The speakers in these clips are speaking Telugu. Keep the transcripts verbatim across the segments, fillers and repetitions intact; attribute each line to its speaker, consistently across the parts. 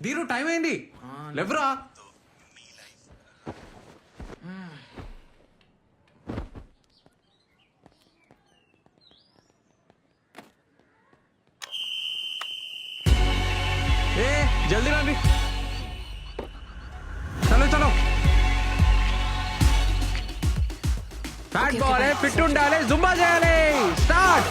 Speaker 1: దీరు టైం అయింది లేవరా. ఏ జల్దీ రండి, చలో చలో. ఫ్యాట్ బాల్ ఫిట్ ఉండాలి, జుంబా చేయాలి. స్టార్ట్.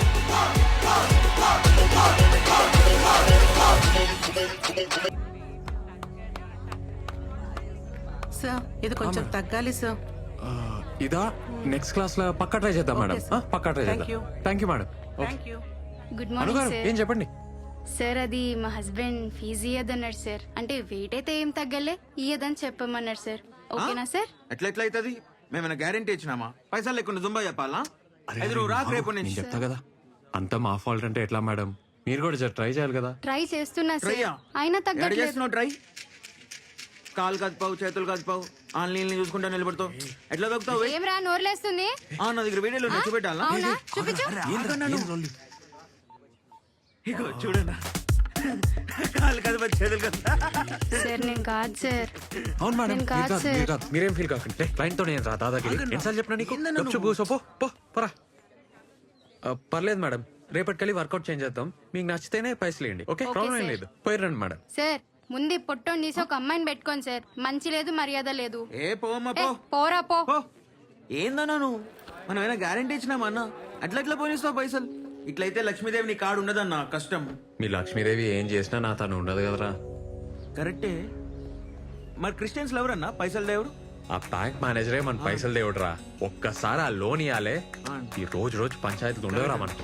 Speaker 2: సార్ ఇది కొంచెం తగ్గాలి సార్.
Speaker 1: ఇదా నెక్స్ట్ క్లాస్ లో పక్కా ట్రై చేద్దాం మేడం. పక్కా ట్రై చేద్దాం. Thank you madam.
Speaker 3: Good morning sir.
Speaker 1: ఏం చెప్పండి
Speaker 3: సార్ అది మా హస్బెండ్ ఫీజు ఇయ్యదన్నాడు సార్. అంటే వెయిట్ అయితే ఏం తగ్గలే, ఇయ్యదని చెప్పమన్నాడు సార్. ఓకేనా సార్?
Speaker 4: ఎట్లా ఎట్లా అవుతుంది? మేమైనా గ్యారంటీ ఇచ్చినామా? పైసలు లేకుండా జుంబా చెప్పాలా? ఐదు నువ్వు రాకు రేపు
Speaker 1: నేను
Speaker 4: నుంచి
Speaker 1: చెప్తా కదా. అంతా మా ఫాల్ట్ అంటే ఎట్లా మేడం? మీరు కూడా జర ట్రై చేయాలి కదా.
Speaker 3: ట్రై చేస్తున్నా సార్,
Speaker 4: ట్రైయా?
Speaker 3: అయినా
Speaker 4: ఎక్కడ
Speaker 3: తగ్గట్లేదు.
Speaker 4: చేస్తున్నావు ట్రై? కాలు కదిపావు, చేతులు కదిపావు, ఆన్లైన్ చూసుకుంటా నిలబడతావు. ఎట్లా దొక్కుతావు?
Speaker 3: ఏం రా నోర్లేస్తుంది?
Speaker 4: ఆ, నా దగ్గర వీడియోలో నచ్చి పెట్టాలా?
Speaker 3: అవునా చూపించు.
Speaker 4: ఇగో చూడన్నా, కాలు కదిపా, చేతులు కదిపా.
Speaker 3: సార్ నేను కాదు సార్.
Speaker 1: అవును మేడం,
Speaker 3: నేను
Speaker 1: మీరు
Speaker 3: కాదు
Speaker 1: కాదు,
Speaker 3: సార్.
Speaker 1: మీరు కాదు. మీరేం ఫీల్ కాకండి. క్లయింట్ తో నేను రా దాదాగిరి ఎన్నిసార్లు చెప్పినా నీకు? గప్చుప్ కూసో, పో పో పరా. ఆ, పర్లేదు మేడం, రేపటికెళ్ళి వర్కౌట్ చేంజ్ చేద్దాం. మీకు నచ్చితేనే పైసలు ఇవ్వండి. ఓకే,
Speaker 3: ఓకే
Speaker 1: ప్రాబ్లం ఏం
Speaker 3: సార్.
Speaker 1: లేదు. పోయి రండి మేడం.
Speaker 3: సార్ ముందు పొట్టోని తీసి ఒక అమ్మాయిని పెట్టుకోండి సార్. మంచి లేదు, మర్యాద లేదు.
Speaker 4: ఏ పోమ్మా
Speaker 3: ఏ,
Speaker 4: పో
Speaker 3: పోరా పో.
Speaker 4: పో. ఏందన్నా నువ్వు? మనం ఏమైనా గ్యారంటీ ఇచ్చినామా అన్న? అట్లా ఎట్లా పోనిస్తావు పైసలు? ఇట్లయితే లక్ష్మీదేవి నీ కాడు ఉండదన్న, కష్టం.
Speaker 1: మీ లక్ష్మీదేవి ఏం చేసినా నా తను ఉండదు కదరా.
Speaker 4: కరెక్టే. మరి క్రిస్టియన్స్ ఎవరన్నా పైసలు దేవుడు?
Speaker 1: ఆ బ్యాంక్ మేనేజరే మన పైసలు దేవుడురా. ఒక్కసారి ఆ లోన్ ఇవ్వాలే, ఈ రోజు రోజు పంచాయతీలు ఉండవురా మనకు.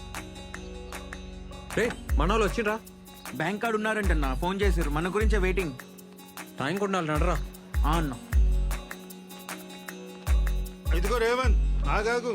Speaker 1: రే మన వాళ్ళు వచ్చిండ్రా.
Speaker 4: బ్యాంక్ కార్డు ఉన్నారంటన్నా, ఫోన్ చేసారు. మన గురించే వెయిటింగ్.
Speaker 1: టైం ఉండాలి నడరా.
Speaker 4: ఆ అన్న
Speaker 5: ఇదిగో రేవంత్, ఆగాగు.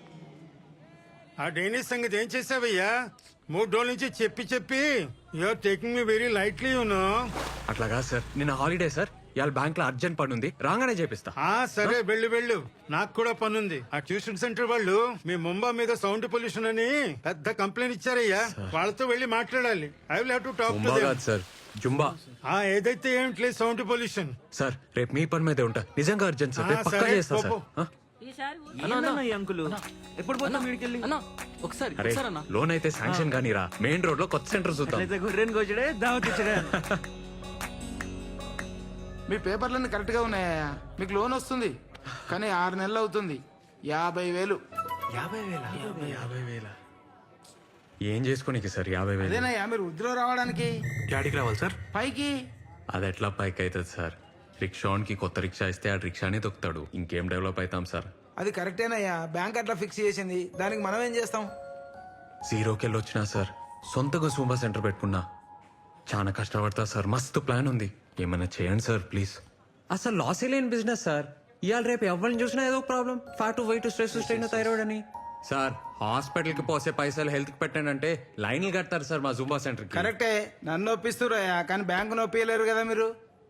Speaker 5: ఆ డైనిస్ సంగతి ఏం చేసావయ్యా? మూడు రోజుల నుంచి చెప్పి చెప్పి you're taking me very lightly you know.
Speaker 1: అట్లా కాదు సార్, నిన్న హాలిడే సార్. ఇవాళ బ్యాంక్ లో అర్జెంట్ పని ఉంది, రాగానే చేపిస్తా.
Speaker 5: ఆ సరే వెళ్ళు వెళ్ళు, నాకు కూడా పనుంది. ఆ ట్యూషన్ సెంటర్ వాళ్ళు మీ ముంబా మీద సౌండ్ పొల్యూషన్ అని పెద్ద కంప్లైంట్ ఇచ్చారయ్యా. వాళ్ళతో వెళ్ళి మాట్లాడాలి. I will have to talk to
Speaker 1: Zumba
Speaker 5: them.
Speaker 1: కాదు సార్, జుంబా.
Speaker 5: ఆ ఏదైతే ఏమిట్లేదు సౌండ్ పొల్యూషన్.
Speaker 1: సార్ రేపు మీ పని మీదే ఉంటా. నిజంగా అర్జెంట్ సార్,
Speaker 5: ఆ,
Speaker 1: రేపు పక్కా
Speaker 5: సరే,
Speaker 1: చేస్తా
Speaker 5: పో,
Speaker 1: సార్.
Speaker 5: పో.
Speaker 1: ఆ?
Speaker 4: ఏందన్నా ఈ అంకులు ఎప్పుడు పోతాం వీడికెళ్ళి?
Speaker 6: ఒకసారి
Speaker 1: అరే లోన్ అయితే శాంక్షన్ కానీ రా. మెయిన్ రోడ్ లో కొత్త సెంటర్ చూద్దాం.
Speaker 4: అట్లయితే గొర్రెని కోచడే, దావత్ ఇచ్చడే.
Speaker 7: మీ పేపర్లన్నీ కరెక్ట్ గా ఉన్నాయా? మీకు లోన్ వస్తుంది, కానీ ఆరు నెలలు అవుతుంది. యాభై వేలు.
Speaker 4: యాభై వేల
Speaker 1: యాభై వేల ఏం చేసుకోనికి సార్ యాభై వేలు?
Speaker 7: అదేనయ్యా మీరు వృద్ధిలో రావడానికి.
Speaker 1: యాడికి రావాలి సార్?
Speaker 7: పైకి.
Speaker 1: అది ఎట్లా పైకి అవుతుంది సార్? రిక్షాకి కొత్త రిక్షా ఇస్తే ఆ రిక్షానే దొక్కుతాడు. ఇంకేం డెవలప్ అవుతాం సార్?
Speaker 7: అది కరెక్టేనయ్యా, బ్యాంక్ అట్లా ఫిక్స్ చేసింది. దానికి మనం ఏం చేస్తాం?
Speaker 1: జీరోకి వెళ్ళి వచ్చినా సార్, సొంతగా సూంబా సెంటర్ పెట్టుకున్నా. చాలా కష్టపడతా సార్, మస్తు ప్లాన్ ఉంది. ఏమైనా చేయండి సార్ ప్లీజ్. అసలు లాస్ లేని బిజినెస్ సార్. ఇవాళ రేపు ఎవరిని చూసినా ఏదో problem. Fat, weight, stress, strain, thyroid అని. సార్ హాస్పిటల్ కి పోసే పైసలు హెల్త్ కి పెట్టండి అంటే లైన్లు కడతారు సార్ మా జూంబా సెంటర్ కి.
Speaker 7: కరెక్టే, నన్ను ఒప్పిస్తురయ్యా, కానీ బ్యాంకు నొప్పియలేరు కదా మీరు.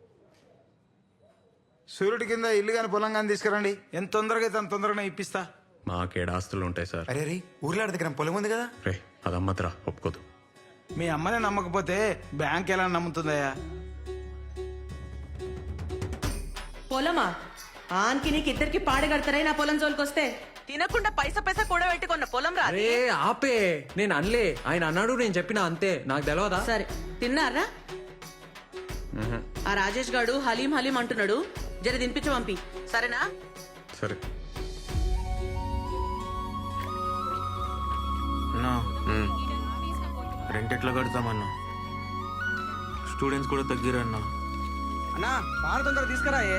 Speaker 7: సూర్యుడి కింద ఇల్లు కానీ పొలం కానీ తీసుకురండి, ఎంత తొందరగా అయితే అంత తొందరగా ఇప్పిస్తా.
Speaker 1: మాకేడు ఆస్తులు ఉంటాయి సార్.
Speaker 8: అరే రే ఊర్లో దగ్గర పొలం ఉంది కదా.
Speaker 1: రే అదమ్మద్రా, ఒప్పుకోదు.
Speaker 7: మీ అమ్మనే నమ్మకపోతే బ్యాంక్ ఎలా నమ్ముతుందయ్యా?
Speaker 2: పొలమా ఆన్కి నీకు ఇద్దరికి పాడగడతారే నా పొలం జోలికొస్తే. తినకుండా పైసా పైసా కూడా పెట్టుకున్న పొలం రా.
Speaker 1: అరే ఆపే, నేను అనలే. ఆయన అన్నాడు, నేను చెప్పినా అంతే. నాకు తెలియదా?
Speaker 2: సరే తిన్నారా? ఆ రాజేష్ గాడు హలీం హలీం అంటున్నాడు, జర తినిపించు పంపి, సరేనా?
Speaker 1: సరే.
Speaker 4: అన్నా రెంట్ ఎట్లా కడతామన్నా? స్టూడెంట్స్ కూడా తగ్గిరన్నా.
Speaker 6: అన్నా బాగా తొందర తీసుకురాయే.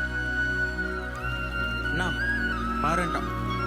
Speaker 4: అన్నా పారంట.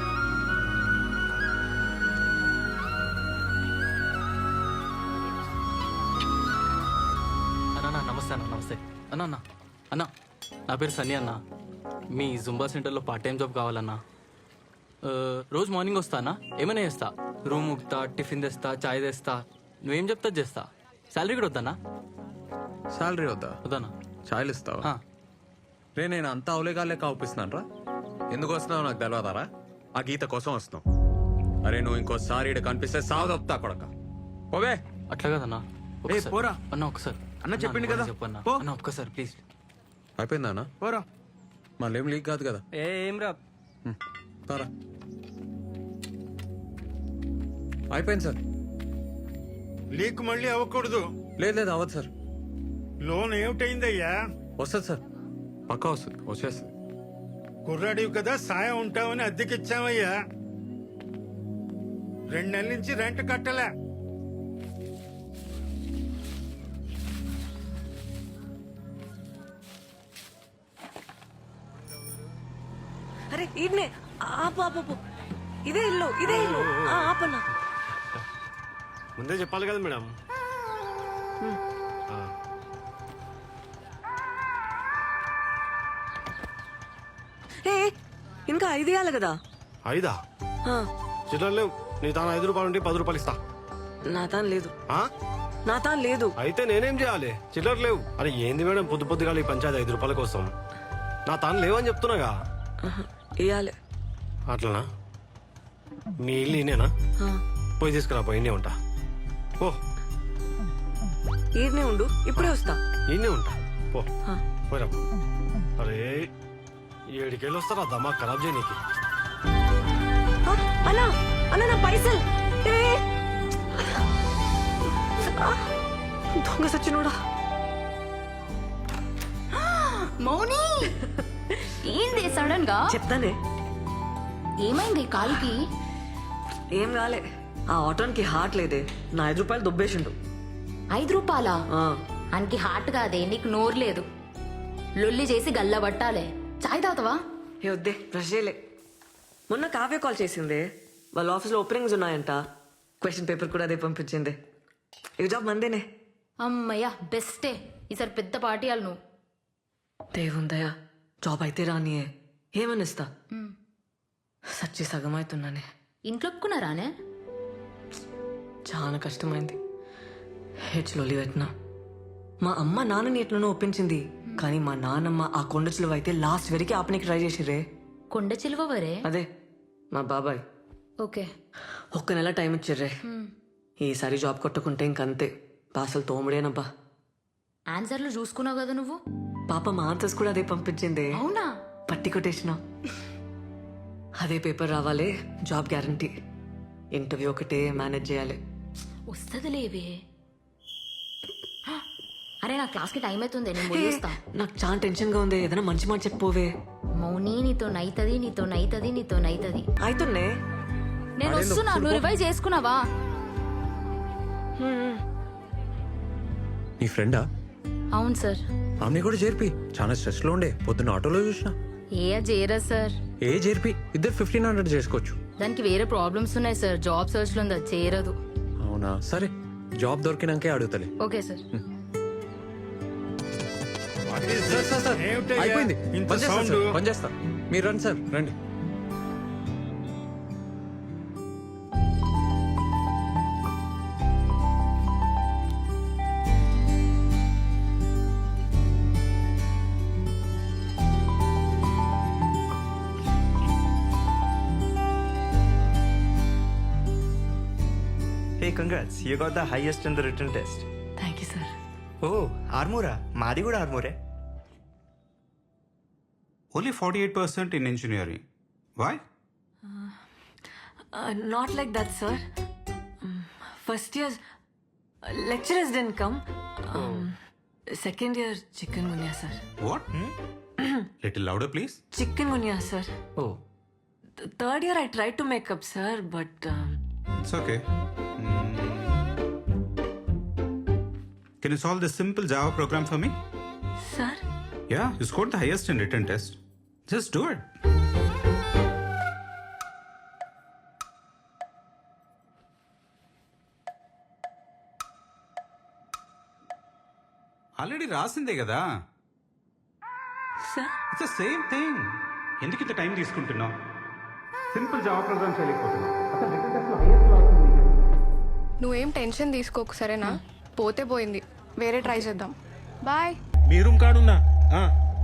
Speaker 6: అన్నా నమస్తే అన్న. నమస్తే అన్న. అన్న అన్న నా పేరు సన్నీ అన్న. మీ జుంబా సెంటర్లో పార్ట్ టైం జాబ్ కావాలన్నా. ఆ, రోజు మార్నింగ్ వస్తానా, ఏమైనా చేస్తా. రూమ్ ఉక్తా, టిఫిన్ తెస్తా, చాయ్ తెస్తా. నువ్వేం చెప్తా చేస్తా. శాలరీ కూడా వద్దన్నా?
Speaker 1: శాలరీ వద్దా?
Speaker 6: వద్దన్నా.
Speaker 1: ఛాయలు ఇస్తావా?
Speaker 6: ఆ.
Speaker 1: రే నేను అంతా అవలేగాలే కాపిస్తున్నాను రా. ఎందుకు వస్తున్నావు నాకు తెలియదారా? ఆ గీత కోసం వస్తున్నావు. అరే నువ్వు ఇంకోసారి ఇక్కడ కనిపిస్తే సాగు తప్పుతా కొడక. ఓవే
Speaker 6: అట్లా కదన్నా.
Speaker 4: ఏ పోరా
Speaker 6: అన్న ఒకసారి
Speaker 4: అన్న చెప్పిండు కదా
Speaker 6: చెప్పన్నా
Speaker 4: పో
Speaker 6: అన్న ఒక్కసారి ప్లీజ్.
Speaker 1: అయిపోయిందా అన్న?
Speaker 4: పోరా.
Speaker 1: మళ్ళీ ఏం లీక్ కాదు కదా?
Speaker 6: ఏం రా
Speaker 1: హ్మ్. తారా అయిపోయింది సార్.
Speaker 5: లీక్ మళ్ళీ అవ్వకూడదు.
Speaker 1: లేదు లేదు అవ్వదు సార్.
Speaker 5: లోన్ ఏమిటైందయ్యా?
Speaker 1: వస్తుంది సార్, పక్కా వస్తుంది, వచ్చేస్తుంది.
Speaker 5: కుర్రాడివి కదా, సాయం ఉంటావని అద్దెకిచ్చామయ్యా. రెండు నెలల నుంచి రెంట్ కట్టలే.
Speaker 2: అరే ఈడ్నే ఆపు ఆపు ఆపు. ఇదే ఇల్లు ఇదే ఇల్లు. ఆ, ఆపన్నా.
Speaker 9: ముందే చెప్పాలి కదా మేడం.
Speaker 2: ఏ ఇంకా ఐదు ఇవ్వాలి కదా.
Speaker 9: ఐదా?
Speaker 2: ఆ,
Speaker 9: చిల్లర లేవు. నీ తాను ఐదు రూపాయలు ఉంటే పది రూపాయలు ఇస్తా.
Speaker 2: నా తాను లేదు,
Speaker 9: ఆ?
Speaker 2: నా తాను లేదు.
Speaker 9: అయితే నేనేం చేయాలి? చిల్లర లేవు. అరే ఏంది మేడం పొద్దు పొద్దుగా ఈ పంచాయతీ ఐదు రూపాయల కోసం? నా తాను లేవని చెప్తున్నాగా.
Speaker 2: ఇవ్వాలి.
Speaker 9: అట్లనా? మీ ఇల్లు ఈయనేనా? పోయి తీసుకురా, పోయి ఈయనే ఉంటా. ఓ
Speaker 2: ఈడ్నే ఉండు, ఇప్పుడే వస్తా.
Speaker 9: ఈయనే ఉంటా. పో పోయిరా. అరే ఏడికెళ్ళి వస్తారా దమా ఖరాబ్ చేయనీకి?
Speaker 2: ఆ, అన్నా అన్నా నా పైసలు. ఏ, ఆ, దొంగ సచ్చినోడా.
Speaker 3: మౌని ఏంది సడన్ గా?
Speaker 2: చెప్తానే.
Speaker 3: ఏమైంది కాలుకి?
Speaker 2: ఏం కాలే, ఆ ఆటోన్కి హార్ట్ లేదే. నా ఐదు రూపాయలు దుబ్బేసిండు.
Speaker 3: ఐదు రూపాయలా?
Speaker 2: ఆ,
Speaker 3: అనికి హార్ట్ కాదే, నీకు నోరు లేదు. లొల్లి చేసి గల్ల పట్టాలే. చాయ్ తాగుతావా?
Speaker 2: ఏ వద్దే, బ్రష్ చేయలే. మొన్న కావ్య కాల్ చేసిందే, వాళ్ళ ఆఫీస్లో ఓపెనింగ్స్ ఉన్నాయంట. క్వశ్చన్ పేపర్ కూడా అదే పంపించింది. ఈ జాబ్ మందేనే.
Speaker 3: అమ్మయ్యా బెస్టే. ఈసారి పెద్ద పార్టీ వాళ్ళు నువ్వు.
Speaker 2: దేవుందయా, జాబ్ అయితే రానియే. ఏమనిస్తా, సచ్చి సగం అవుతున్నానే.
Speaker 3: ఇంట్లో ఒప్పుకున్నారానే?
Speaker 2: చాలా కష్టమైంది. హెచ్లో పెట్టినా. మా అమ్మ నాన్నని ఎట్లనో ఒప్పించింది, కానీ మా నాన్నమ్మ ఆ కొండ చిలువ అయితే లాస్ట్ వరకు ఆపనికి ట్రై చేసిరే.
Speaker 3: కొండ చిలువ వరే?
Speaker 2: అదే మా బాబాయ్.
Speaker 3: ఓకే.
Speaker 2: ఒక్క నెల టైం ఇచ్చిర్రే. ఈసారి జాబ్ కొట్టుకుంటే ఇంకంతే, పాసలు తోముడేనబ్బా.
Speaker 3: ఆన్సర్లు చూసుకున్నావు కదా నువ్వు.
Speaker 2: పాప మా ఆన్సర్స్ కూడా అదే పంపించింది.
Speaker 3: అవునా?
Speaker 2: పట్టి కొట్టేసిన. అదే పేపర్ రావాలి, జాబ్ గ్యారంటీ. ఇంటర్వ్యూ ఒకటే మేనేజ్ చేయాలి.
Speaker 3: వస్తుంది లేవే. అరే నా క్లాస్కి టైం అవుతుంది, నేను పోయేస్తా.
Speaker 2: నాకు చాలా టెన్షన్ గా ఉంది, ఏదైనా మంచి మాట చెప్పోవే.
Speaker 3: మౌని నీతో నైతది, నీతో నైతది, నీతో నైతది.
Speaker 2: అయితున్నే.
Speaker 3: నేను వస్తున్నా, నువ్వు రివైజ్ చేసుకున్నావా?
Speaker 1: నీ ఫ్రెండా?
Speaker 3: అవును సార్.
Speaker 1: ఆమె కూడా చేర్పి. చాలా స్ట్రెస్ లో ఉండే, పొద్దున్న ఆటోలో చూసిన.
Speaker 3: ఏ చేయరా సార్?
Speaker 1: ఏ చేర్పి, ఇద్దరు ఫిఫ్టీన్ హండ్రెడ్ చేసుకోవచ్చు.
Speaker 3: దానికి వేరే ప్రాబ్లమ్స్ ఉన్నాయి సార్, జాబ్ సర్చ్ లో ఉంది, అది చేయరదు.
Speaker 1: అవునా? సరే, జాబ్ దొరికినాకే అడుగుతలే.
Speaker 3: Okay sir.
Speaker 1: Sir, sir, sir,
Speaker 5: ఏమిటయ్యా?
Speaker 1: అయిపోయింది.
Speaker 5: ఇంత
Speaker 1: పని చేస్తా
Speaker 5: సౌండ్?
Speaker 1: సార్, పని చేస్తా. మీరు రండి సార్, రండి.
Speaker 8: Hey, congrats. You got the highest in the written test.
Speaker 2: Thank you sir.
Speaker 8: Oh, ఆర్మూరా మాది కూడా ఆర్మూరే.
Speaker 10: Only forty-eight percent in engineering. Why?
Speaker 2: Not like that sir. First year lecturers didn't come. Second year chikungunya sir.
Speaker 10: What? Little louder, please.
Speaker 2: Chikungunya sir.
Speaker 10: Oh,
Speaker 2: third year I try to make up sir, but
Speaker 10: it's okay. Hmm. Can you solve this simple Java program for me?
Speaker 2: Sir
Speaker 10: Yeah, you scored the highest in written test. Just do it. Already రాసిందే కదా.
Speaker 2: Sir
Speaker 10: it's the same thing. ఎందుకు ఇంత టైం తీసుకుంటున్నావు? సింపుల్ జావా ప్రోగ్రామ్ చేయలేకపోతున్నావు.
Speaker 11: నువ్వేం టెన్షన్ తీసుకోకు సరేనా? పోతే పోయింది, వేరే ట్రై చేద్దాం. బాయ్.
Speaker 5: మీ రూమ్ కాడున్నా. ఆ.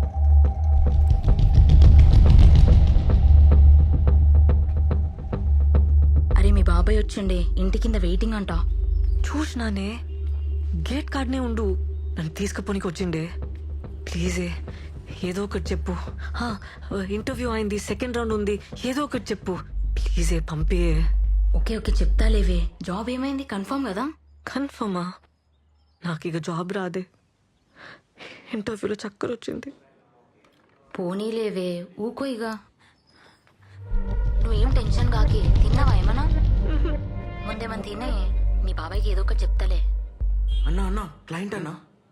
Speaker 3: అరే మీ బాబాయ్ వచ్చిండే, ఇంటి కింద వెయిటింగ్ అంట.
Speaker 2: చూసినానే, గేట్ కాడనే ఉండు. నన్ను తీసుకుపోనికి వచ్చిండే ప్లీజే ఏదో ఒకటి చెప్పు ఇంటర్వ్యూ అయింది సెకండ్ రౌండ్ ఉంది ఏదో ఒకటి చెప్పు ప్లీజే పంపే
Speaker 3: ఓకే ఓకే చెప్తాలేవే జాబ్ ఏమైంది కన్ఫర్మ్ కదా
Speaker 2: కన్ఫర్మా నాకు ఇక జాబ్ రాదే ఇంటర్వ్యూలో చక్కర వచ్చింది
Speaker 3: పోనీలేవే ఊకో ఇక నువ్వేం టెన్షన్ కాకి తిన్నావా ఏమన్నా ముందేమన్నా తినే మీ బాబాయ్కి ఏదో ఒకటి చెప్తాలే
Speaker 4: అన్నా అన్నా క్లయింట్ అన్నా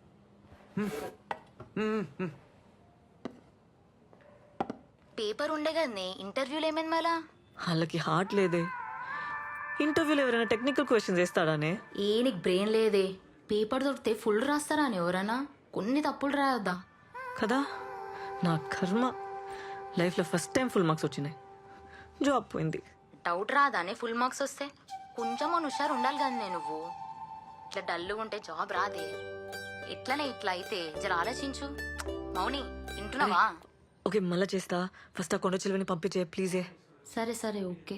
Speaker 3: పేపర్ ఉండే కదనే ఇంటర్వ్యూలు ఏమైంది మళ్ళా
Speaker 2: వాళ్ళకి హార్ట్ లేదే ఇంటర్వ్యూలో ఎవరైనా టెక్నికల్ క్వశ్చన్స్ వేస్తాడానే
Speaker 3: ఏ నీకు బ్రెయిన్ లేదే పేపర్ దొరికితే ఫుల్ రాస్తారా అని ఎవరన్నా కొన్ని తప్పులు రాయొద్దా
Speaker 2: కదా నా కర్మ లైఫ్లో ఫస్ట్ టైం ఫుల్ మార్క్స్ వచ్చినాయి జాబ్ పోయింది
Speaker 3: డౌట్ రాదానే ఫుల్ మార్క్స్ వస్తే కొంచెం హుషారు ఉండాలి కదా నువ్వు ఇట్లా డల్గా ఉంటే జాబ్ రాదే ఎట్లనే ఇట్లా అయితే జర ఆలోచించు మౌని వింటున్నావా
Speaker 2: ఓకే మళ్ళా చేస్తా ఫస్ట్ ఆ కొండ చిలువని పంపించే ప్లీజే
Speaker 3: సరే సరే ఓకే